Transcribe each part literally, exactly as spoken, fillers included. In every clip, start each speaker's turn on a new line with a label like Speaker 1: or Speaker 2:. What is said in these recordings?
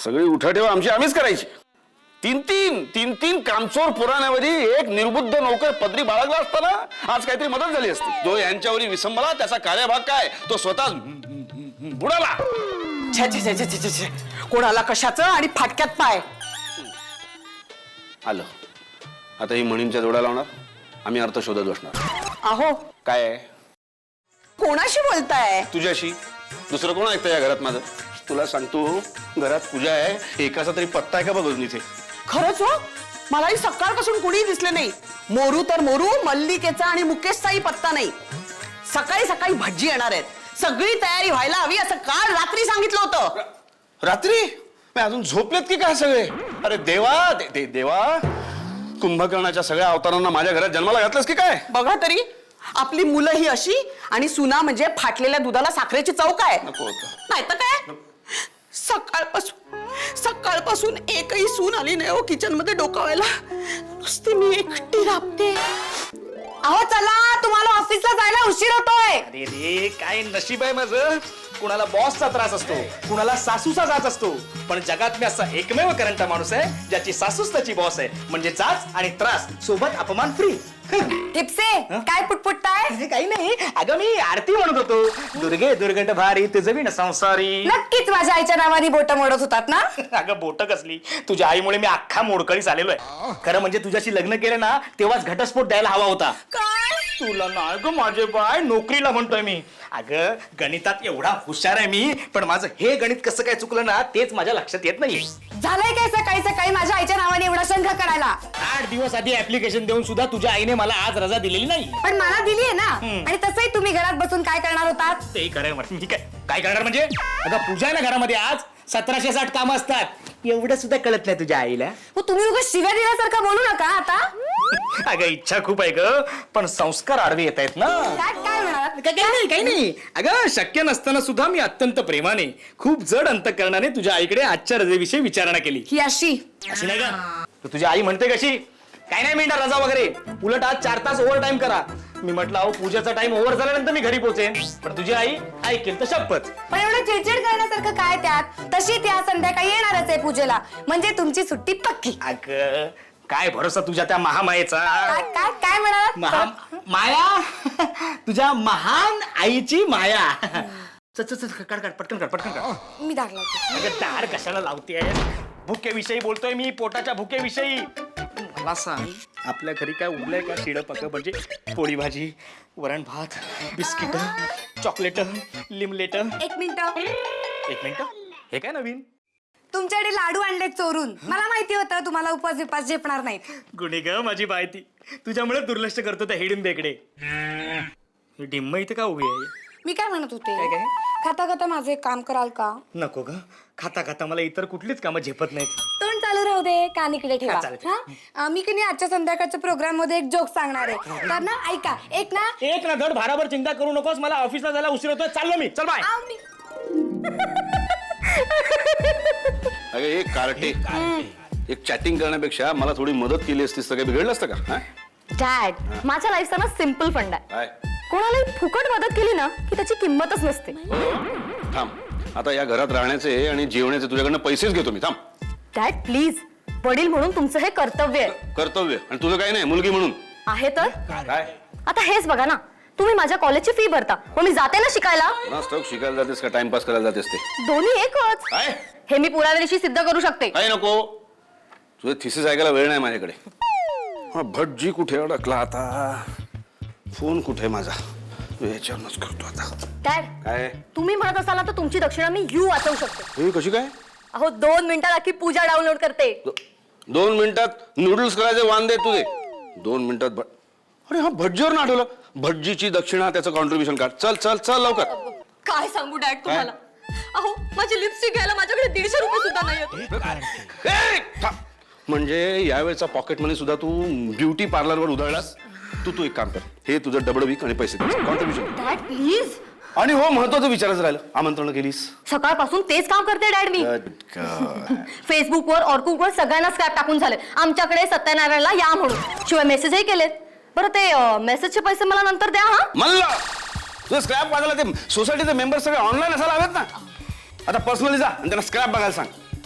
Speaker 1: सगळी उठाठेवा आमची आम्हीच करायची. तीन तीन तीन तीन कामचोर पुराण्यावरी एक निर्बुद्ध नौकर पदरी बाळगला असताना आज काहीतरी मदत झाली असती. जो यांच्यावरी विसंबला त्याचा कार्यभाग काय, तो स्वतः बुडाला.
Speaker 2: छे छे छे छे छे छे. कोणाला कशाचं आणि फाटक्यात पाय.
Speaker 1: आलं आता ही म्हणींच्या जोड्या लावणार, आम्ही अर्थ शोधत बसणार.
Speaker 2: अहो
Speaker 1: काय आहे?
Speaker 2: कोणाशी बोलताय?
Speaker 1: तुझ्याशी. दुसरं कोण ऐकतं या घरात माझं? तुला सांगतो, घरात पूजा आहे, एकाचा तरी पत्ता आहे का बघून इथे?
Speaker 2: खरंच हो, मलाही सकाळपासून कुणी दिसले नाही. मोरू तर मोरू, मल्लिकेचा आणि मुकेशचाही पत्ता नाही. सकाळी सकाळी भज्जी येणार आहेत, सगळी तयारी व्हायला हवी असं काल रात्री सांगितलं होतं.
Speaker 1: रात्री? मी अजून झोपलेत की काय सगळे? अरे देवा दे, दे, देवा, कुंभकर्णाच्या सगळ्या अवतारांना माझ्या घरात जन्माला घातलंस की काय?
Speaker 2: बघा तरी, आपली मुलं ही अशी आणि सुना म्हणजे फाटलेल्या दुधाला साखरेची चव काय.
Speaker 1: नको होतं.
Speaker 2: नाही तर काय, सकाळपासून सकाळपासून एकही सून आली नाही हो किचन मध्ये डोकावायला. नुसती मी एकटी राबते. अहो चला, तुम्हाला ऑफिसला जायला उशीर होतोय.
Speaker 3: अरे रे, काय नशीब आहे माझं. कुणाला बॉसचा त्रास असतो, कुणाला सासूचा जाच असतो, पण जगात मी असा एकमेव करंटा माणूस आहे ज्याची सासूच त्याची बॉस आहे. म्हणजे जाच आणि त्रास सोबत अपमान फ्री.
Speaker 4: टिपसे काय पुटपुटताय?
Speaker 3: काही नाही, अगं मी आरती म्हणत होतो. दुर्गे दुर्गंड भारी तुझं बी ना संसारी.
Speaker 4: नक्कीच माझ्या आईच्या नावाने बोट मोडत होतात ना.
Speaker 3: अगं बोट कसली, तुझ्या आईमुळे मी अख्खा मोडकळीस आलेलो आहे. खरं म्हणजे तुझ्याशी लग्न केलं ना तेव्हाच घटस्फोट द्यायला हवा होता.
Speaker 4: काय?
Speaker 3: तुला नाही ग माझे बाय, नोकरीला म्हणतोय मी. अगं गणितात एवढा हुशार आहे मी, पण माझं हे गणित कसं काय चुकलं ना तेच माझ्या लक्षात येत नाही.
Speaker 4: झालंय काय सकाळी सकाळी माझ्या आईच्या नावाने एवढा संघ करायला?
Speaker 3: आठ दिवस आधी ऍप्लिकेशन देऊन सुद्धा तुझ्या आईने मला आज रजा दिलेली नाही.
Speaker 4: पण मला दिली आहे ना. आणि तसंही तुम्ही घरात बसून काय करणार होतात?
Speaker 3: ते खरं मी काय काय करणार म्हणजे? अगं पूजा आहे ना घरामध्ये आज, सतराशे साठ कामं असतात. एवढं सुद्धा कळत नाही तुझ्या आईला.
Speaker 4: हो, तुम्ही उगाच शिव्या दिल्यासारखं बोलू नका आता.
Speaker 3: अगं इच्छा खूप आहे ग, पण संस्कार आडवे येत आहेत ना.
Speaker 4: काय काय म्हणालात?
Speaker 3: काही नाही काही नाही. अगं शक्य नसताना सुद्धा मी अत्यंत प्रेमाने, खूप जड अंतकरणाने तुझ्या आईकडे आजच्या रजेविषयी विचारणा केली.
Speaker 4: ही अशी
Speaker 3: अशी नाही का? तर तुझी आई म्हणते कशी, काय नाही मिळणार रजा वगैरे, उलट आज चार तास ओव्हर टाइम करा. मी म्हटलं अहो पूजेचा टाइम ओव्हर झाल्यानंतर मी घरी पोहोचेन. पण तुझी आई ऐकेल तर शपथ.
Speaker 4: पण एवढं चिडचिड करण्यासारखं काय त्यात? तशी त्या संध्याकाळी येणारच आहे पूजेला, म्हणजे तुमची सुट्टी पक्की.
Speaker 3: अगं काय भरोसा तुझ्या त्या महामायेचा.
Speaker 4: काय काय काय म्हणालात?
Speaker 3: महा माया तुझ्या महान आईची माया. च च च काढ काढ पटकन काढ पटकन काढ.
Speaker 4: मी दाखला होते.
Speaker 3: अगं दार कशाला लावतेय? भुकेविषयी बोलतोय मी, पोटाच्या भुकेविषयी. मला सांग, आपल्या घरी काय उरलंय का? शिड पक म्हणजे पोळी भाजी, वरण भात, बिस्किट, चॉकलेट, लिमलेट.
Speaker 4: एक मिनिट.
Speaker 3: एक मिनिट, हे काय नवीन?
Speaker 4: तुमच्याकडे लाडू आणले चोरून. मला माहिती होतं तुम्हाला उपास विपास झेपणार नाहीत.
Speaker 3: गुन्हे ग माझी बायती, तुझ्यामुळे दुर्लक्ष करतो त्या हिडिंबेकडे. ही डिम्म इथे का उभी आहे?
Speaker 4: मी काय म्हणत होते,
Speaker 3: काय काय?
Speaker 4: खाता खाता माझं एक काम कराल का?
Speaker 3: नको ग, खाता खाता मला इतर कुठलीच कामं झेपत नाहीत.
Speaker 4: तोंड चालू राहू दे, कान इकडे ठेवा.
Speaker 3: हा, चालेल.
Speaker 4: हा? अं, मी की नाही आजच्या संध्याकाळच्या प्रोग्राम मध्ये एक जोक सांगणार आहे. तर ना ऐका, एक ना
Speaker 3: एक ना धड भाराभर चिंता करू नकोस, मला ऑफिसला जायला उशीर होतोय. चाललो मी, चल बाय.
Speaker 4: आव, मी-
Speaker 1: अगं एक कार्टे, एक चॅटिंग करण्यापेक्षा मला थोडी मदत केली असतीस तर काही बिघडलं असतं का? हा?
Speaker 5: डॅड, माझ्या लाईफचा ना सिम्पल फंड आहे.
Speaker 1: काय?
Speaker 5: कोणालाही फुकट मदत केली ना की त्याची किंमतच नसते.
Speaker 1: थांब, आता या घरात राहण्याचे आणि जेवण्याचे तुझ्याकडनं पैसेच घेतो मी. थांब.
Speaker 5: डॅड प्लीज, वडील म्हणून तुमचं हे कर्तव्य आहे.
Speaker 1: कर्तव्य आणि तुझं काही नाही, मुलगी म्हणून.
Speaker 5: आहे तर
Speaker 1: काय?
Speaker 5: आता हेच बघा ना, तुम्ही माझ्या कॉलेजची फी भरता, मग मी जाते ना शिकायला.
Speaker 1: स्टॉक शिकायला जातेस का टाइमपास करायला जातेस? ते
Speaker 5: दोन्ही एकच.
Speaker 1: काय?
Speaker 5: हे मी पुराव्याशी सिद्ध करू शकते.
Speaker 1: काय नको, तुझे थिसिस ऐकायला वेळ नाही माझ्याकडे. हा भटजी कुठे अडकला आता? फोन कुठे माझा? याच्यावरच करतो आता.
Speaker 5: डॅड,
Speaker 1: काय?
Speaker 5: तुम्ही म्हणत असाल ना तर तुमची दक्षिणा मी यू वाचवू शकते.
Speaker 1: हे कशी काय?
Speaker 5: अहो, दोन मिनिटात अख्खी पूजा डाउनलोड करते.
Speaker 1: दो- दोन मिनिटात नूडल्स करायचे वांदे तुझे. दोन मिनिटात भट. अरे हा भटजीवर ना आठवलं. भटजीची दक्षिणा, त्याचं कॉन्ट्रीब्युशन काढ. चल चल चल लवकर.
Speaker 5: काय सांगू डॅड तुम्हाला, अहो माझी लिपस्टिक घ्यायला माझ्याकडे दीडशे रुपये सुद्धा नाही.
Speaker 1: ए, थांब. म्हणजे यावेळेचा पॉकेट मनी सुद्धा तू ब्युटी पार्लरवर उधळलास. तू तू एक काम कर, हे तुझं डबल वीक आणि पैसे कॉन्ट्रीब्युशन.
Speaker 5: Dad please.
Speaker 1: आणि हो, महत्वाचं विचारायचं राहिलं, आमंत्रण केलीस?
Speaker 5: सकाळपासून तेच काम करते डॅड मी. फेसबुकवर ऑर्कुकवर सगळ्यांना स्क्रॅप टाकून झाले आमच्याकडे सत्यनारायणला या म्हणून. शिवाय मेसेजही केलेत. बरं ते मेसेजचे पैसे मला नंतर द्या. हा
Speaker 1: म्हणलं तुझं स्क्रॅप वाजायला ते सोसायटीचे मेंबर सगळे ऑनलाईन असायला हवेत ना. आता पर्सनली जा आणि त्यांना स्क्रॅप बघायला सांग.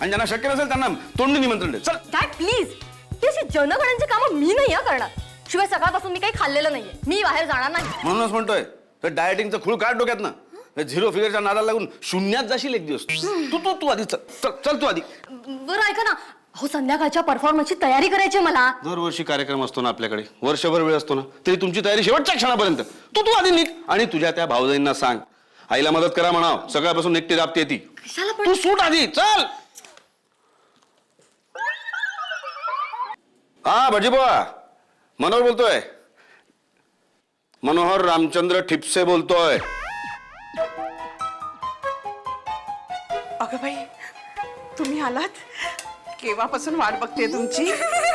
Speaker 1: आणि ज्यांना शक्य नसेल त्यांना तोंडी निमंत्रण दे. चल.
Speaker 5: डॅड प्लीज ती अशी जनगणांची कामं मी नाही हं करणार. शिवाय सकाळपासून मी काही खाल्लेलं नाहीये. मी बाहेर जाणार नाही.
Speaker 1: म्हणूनच म्हणतोय तर डायटिंगचं खूळ काढ डोक्यात ना. झिरो फिगरच्या नादाला लागून शून्यात जाशील एक दिवस. तू तू तू आधी चल चल चल तू आधी.
Speaker 5: बरं ऐका ना, हो संध्याकाळच्या परफॉर्मन्सची तयारी करायची आहे मला.
Speaker 1: दरवर्षी कार्यक्रम असतो ना आपल्याकडे, वर्षभर वेळ असतो ना, तरी तुमची तयारी शेवटच्या क्षणापर्यंत. तू तू आधी निघ आणि तुझ्या त्या भाऊजाईंना सांग आईला मदत करा म्हणाव. सगळ्यापासून एकटी दाबते ती.
Speaker 5: कशाला पण
Speaker 1: तू सूट आधी चल. हा भजीबुवा, मनोहर बोलतोय. मनोहर रामचंद्र ठिपसे बोलतोय.
Speaker 2: अगं बाई, तुम्ही आलात? केव्हापासून वाट बघते तुमची.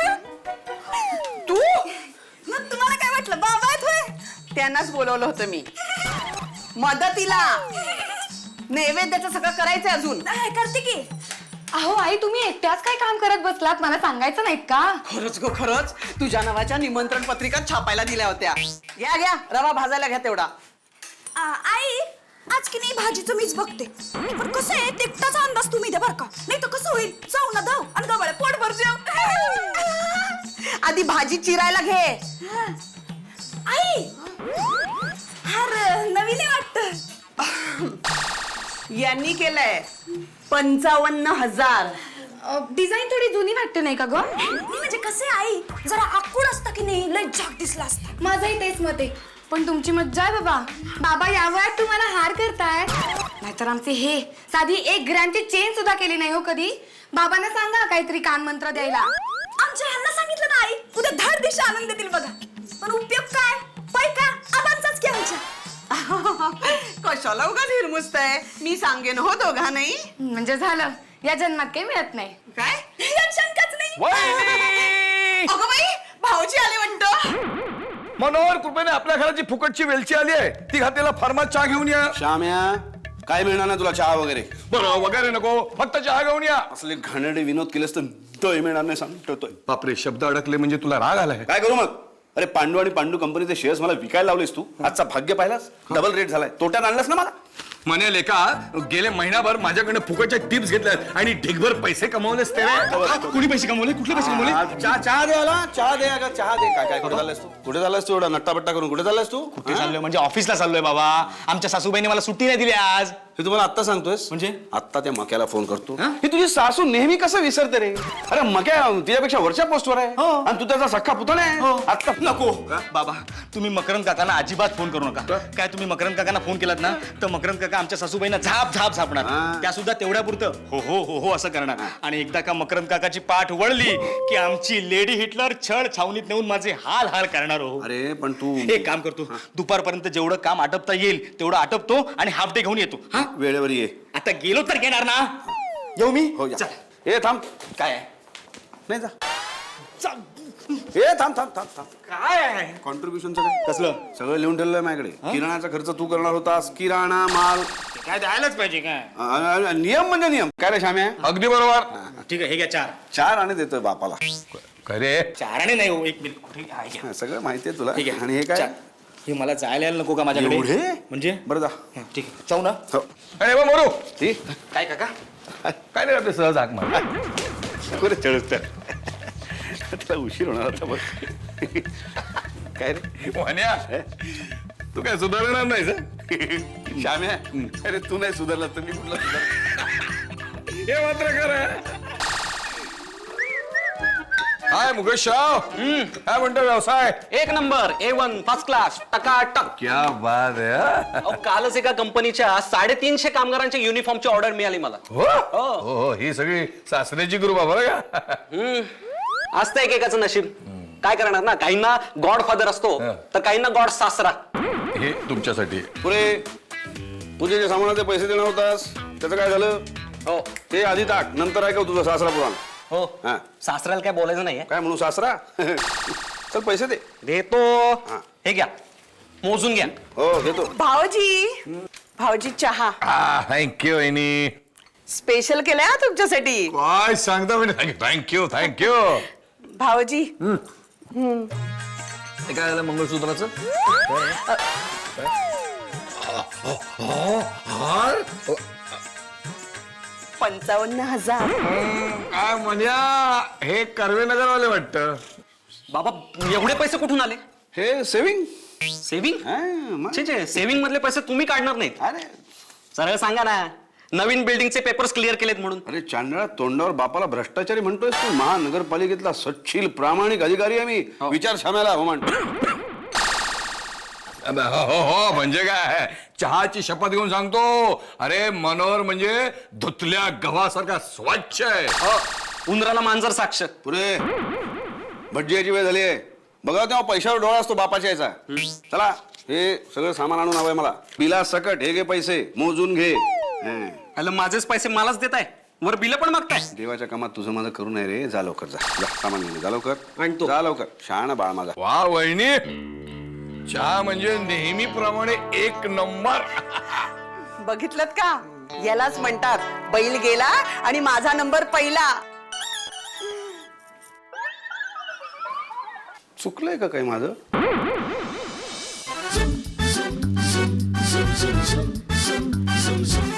Speaker 2: तू मग तुम्हाला काय वाटलं बाबा आहेत होय? त्यांनाच बोलवलं होतं मी मदतीला. नैवेद्याचं सगळं करायचंय अजून.
Speaker 4: करते की. अहो आई, तुम्ही एकट्याच काय काम करत बसलात? मला सांगायचं नाहीत का?
Speaker 2: खरंच गो खरंच, तुझ्या नावाच्या निमंत्रण पत्रिका छापायला दिल्या होत्या. घ्या घ्या, रवा भाजायला घ्या तेवढा.
Speaker 6: आई आज की नाही भाजीचं मीच बघते. पण कसं आहे तिकटाचा अंदाज तुम्ही द्या बरं का, नाही तर कसं होईल. जाऊ ना धाव आणि गवळे पोट भर जेव.
Speaker 2: आधी भाजी चिरायला घे.
Speaker 6: आई हार नवीन आहे वाटत.
Speaker 2: यांनी केलंय पंचावन्न हजार.
Speaker 4: डिझाईन थोडी जुनी वाटते नाही का ग?
Speaker 6: म्हणजे कसे आई जरा आखूड असता की नाही लय झाक दिसला असता.
Speaker 4: माझंही तेच मत आहे. पण तुमची मज्जा आहे बाबा. बाबा या वयात तुम्हाला हार करताय. नाहीतर आमचे हे साधी एक ग्रॅमची चेन सुद्धा केली नाही हो कधी. बाबांना सांगा काहीतरी कान मंत्र द्यायला.
Speaker 6: आमच्या ह्यांना सांगितलं ना आई उद्या धड दिशा आणून देतील बघा. पण उपयोग काय पैका आबांचाच की आमच्या.
Speaker 2: कशाला उगा हिरमुसताय. मी सांगेन हो दोघा नाही.
Speaker 4: म्हणजे झालं, या जन्मात काही मिळत नाही.
Speaker 2: काय
Speaker 6: यात शंकाच नाही.
Speaker 3: वहिनी!
Speaker 2: अगं बाई, भाऊजी आले म्हणतो.
Speaker 7: मनोहर कृपेने आपल्या घराची फुकटची वेलची आली आहे, ती घातलेला फार्मात चहा घेऊन या.
Speaker 1: श्याम्या, काय मिळणार नाही तुला चहा वगैरे.
Speaker 7: बरं वगैरे नको, फक्त चहा घेऊन या.
Speaker 1: असले घाणेरडे विनोद केलेस तर दय मिळणार नाही सांगतोय.
Speaker 7: बापरे, शब्द अडकले म्हणजे तुला राग आलाय.
Speaker 1: काय करू मग? अरे पांडू आणि पांडू कंपनीचे शेअर्स मला विकायला लावलेस तू. आजचा भाग्य पाहिलास, डबल रेट झालाय. तोट्यात आणलास ना मला.
Speaker 7: म्हणे लेका, गेले महिनाभर माझ्याकडे फुकटच्या टिप्स घेतल्यात आणि ढिगभर पैसे कमवलेस ते.
Speaker 3: कुणी पैसे कमवले? कुठले पैसे कमवले?
Speaker 1: आ, चहा चहा दे आला, चहा दे अगं, चहा दे. काय काय कुठे झालास तू? कुठे झालास तू एवढा नट्टापट्टा करून? कुठे झालास तू?
Speaker 3: कुठे चाललोय म्हणजे ऑफिसला चाललोय बाबा. आमच्या सासूबाईने मला सुट्टी नाही दिली आज.
Speaker 1: हे तुम्हाला आत्ता सांगतोयस?
Speaker 3: म्हणजे?
Speaker 1: आत्ता त्या मक्याला फोन करतो. ही तुझी सासू नेहमी कसं विसरते रे? अरे मक्या तिच्यापेक्षा वरच्या पोस्टवर आहे आणि तू त्याचा सख्खा पुतण्या आहे. आत्ता
Speaker 3: नको बाबा, तुम्ही मकरंद काकांना अजिबात फोन करू नका. काय तुम्ही मकरंद काकांना फोन केलात ना तर मकरंद काका आमच्या सासूबाईंना झाप झाप झापणार.
Speaker 1: हा.
Speaker 3: त्या सुद्धा तेवढ्या पुरतं हो हो हो हो असं करणार. आणि एकदा का मकरंद काकाची पाठ वळली की आमची लेडी हिटलर छळ छावणीत नेऊन माझे हाल हाल करणार हो.
Speaker 1: अरे पण तू
Speaker 3: एक काम करतो, दुपारपर्यंत जेवढं काम आटपता येईल तेवढं आटपतो आणि हाफ डे घेऊन येतो. हा
Speaker 1: वेळेवर ये.
Speaker 3: आता गेलो तर घेणार ना. येऊ मी.
Speaker 1: हो या.
Speaker 3: चल.
Speaker 1: ए थांब.
Speaker 3: काय आहे?
Speaker 1: नाही जा. ए थांब थांब थांब थांब.
Speaker 3: काय आहे?
Speaker 1: कॉन्ट्रीब्युशनचं काय?
Speaker 3: कसलं?
Speaker 1: सगळं लिहून ठेवलंय माझ्याकडे. किराणाचा खर्च तू करणार होतास. किराणा माल
Speaker 3: काय द्यायलाच पाहिजे काय?
Speaker 1: अ, अ, नियम म्हणजे नियम. काय रे श्याम्या?
Speaker 7: अगदी बरोबर.
Speaker 3: ठीक आहे, हे घ्या चार.
Speaker 1: चार आणि देतोय बापाला.
Speaker 7: काय रे?
Speaker 3: चाराने नाही हो, एक मिनिट. कुठे हा, हे घ्या.
Speaker 1: हा, सगळं माहितीये तुला.
Speaker 3: ठीक आहे.
Speaker 1: आणि हे काय?
Speaker 3: चार. हे मला जायला यायला नको का माझ्याकडे?
Speaker 1: एवढे?
Speaker 3: म्हणजे
Speaker 1: बरं जा.
Speaker 3: हा, ठीक आहे, जाऊ ना.
Speaker 1: हो.
Speaker 7: अरे बा मोरू,
Speaker 1: ठी?
Speaker 3: काय काका?
Speaker 7: काय नाही आपले सहज हाक मार.
Speaker 1: नको रे चढूस तर. त्याला उशीर होणार होता बघ. काय रे
Speaker 7: म्हण्या, तू काय सुधारणार नाही.
Speaker 1: श्याम्या? अरे तू नाही सुधारला तर मी कुठला सुधार?
Speaker 7: हे मात्र खरं. हाय मुकेश शाह, काय म्हणतो व्यवसाय?
Speaker 8: एक number A one first class टकाटक.
Speaker 7: क्या बात आहे. हा?
Speaker 8: अहो, कालच एका कंपनीच्या साडेतीनशे कामगारांच्या युनिफॉर्मची ऑर्डर मिळाली मला.
Speaker 7: हो हो हो, ही सगळी सासऱ्याची कृपा बरं का.
Speaker 8: हम्म. असतं एकेकाचं नशीब. काय करणार ना, काहींना गॉड फादर असतो तर काहींना गॉड सासरा.
Speaker 7: हे तुमच्यासाठी.
Speaker 1: पुरे पूजेच्या सामानाचे पैसे देणार होतास, त्याचं काय झालं?
Speaker 8: हो
Speaker 1: ते आधी टाक, नंतर ऐकव तुझा सासरा पुराण.
Speaker 8: हो
Speaker 1: हा.
Speaker 8: सासऱ्याला काय बोलायचं नाहीये.
Speaker 1: काय म्हणू सासरा? चल पैसे दे.
Speaker 8: देतो.
Speaker 1: हा.
Speaker 8: हे घ्या, मोजून घ्या.
Speaker 1: हो घेतो.
Speaker 2: भाऊजी, भाऊजी चहा
Speaker 7: थँक्यू वहिनी.
Speaker 2: स्पेशल केलाय हा तुमच्यासाठी.
Speaker 7: काय सांगता म्हणजे? Thank you thank you.
Speaker 2: भाऊजी
Speaker 7: काय झालं मंगळसूत्राचं?
Speaker 2: पंचावन्न हजार
Speaker 7: काय म्हणजे हे कर्वेनगरवाले वाटतं.
Speaker 8: बाबा एवढे पैसे कुठून आले?
Speaker 1: हे सेव्हिंग
Speaker 8: सेव्हिंग सेव्हिंग मधले पैसे तुम्ही काढणार नाहीत.
Speaker 1: अरे
Speaker 8: सरळ सांगा ना, नवीन बिल्डिंगचे पेपर्स क्लिअर केलेत म्हणून.
Speaker 1: अरे चांदळा, तोंडावर बापाला भ्रष्टाचारी म्हणतोय तू. महानगरपालिकेतला सच्शील प्रामाणिक अधिकारी आहे मी. विचार क्षमाला हो म्हणतो.
Speaker 7: अबे, हो हो हो म्हणजे काय, चहाची शपथ घेऊन सांगतो. अरे मनोहर म्हणजे धुतल्या गव्हासारखा स्वच्छ आहे.
Speaker 8: हो, उंदराला मांजर साक्ष.
Speaker 1: पुरे भटजी याची वेळ झाली आहे. बघा तेव्हा पैशावर डोळा असतो बापाच्या याचा. चला हे सगळं सामान आणून हवंय मला. बिला सकट हे घे पैसे, मोजून घे. हं.
Speaker 8: हॅलो, माझेच पैसे मलाच देताय, वर बिल पण मागताय.
Speaker 1: देवाच्या कामात तुझं माझं करू नये रे. जा लवकर, जा जा, सामान घेऊन जा लवकर.
Speaker 8: आणतो.
Speaker 1: जा लवकर. शहाणा बाळ माझा.
Speaker 7: वा वहिनी, चहा म्हणजे नेहमीप्रमाणे एक नंबर.
Speaker 2: बघितलं का, यालाच म्हणतात बैल गेला आणि माझा नंबर पहिला.
Speaker 1: चुकलंय का काही माझं?
Speaker 9: Zoom, zoom, zoom, zoom, zoom, zoom, zoom, zoom.